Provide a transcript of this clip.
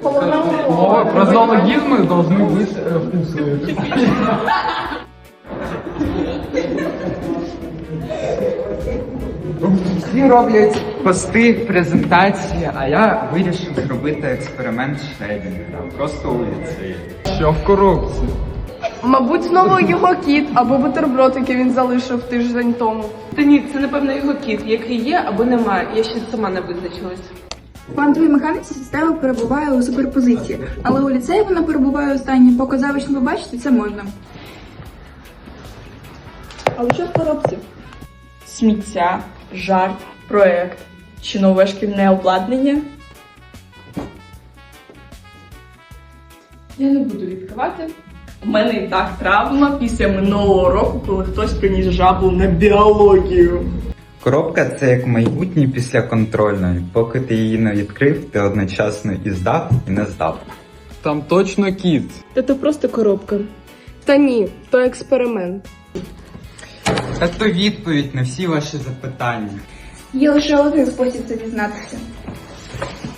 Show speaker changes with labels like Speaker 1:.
Speaker 1: Про зоологизмы должны быть вкусные.
Speaker 2: Всі роблять пости, презентації, а я вирішив зробити експеримент Шредінга. Просто у ліцеї.
Speaker 1: Що в коробці?
Speaker 3: Мабуть, знову його кіт або бутерброд, який він залишив тиждень тому.
Speaker 4: Та ні, це напевно його кіт, який є або немає. Я ще сама не визначилась.
Speaker 5: В квантовій механіці система перебуває у суперпозиції, але у ліцеї вона перебуває останній. Поки завично побачити, це можна.
Speaker 3: Але що в коробці?
Speaker 6: Сміття, жарт, проект чи нове шкільне обладнання. Я не буду відкривати. У мене і так травма після минулого року, коли хтось приніс жабу на біологію.
Speaker 2: Коробка – це як майбутнє після контрольної. Поки ти її не відкрив, ти одночасно і здав, і не здав.
Speaker 1: Там точно кіт.
Speaker 4: Та то просто коробка.
Speaker 3: Та ні, то експеримент.
Speaker 2: Та то відповідь на всі ваші запитання.
Speaker 5: Є лише один спосіб це дізнатися.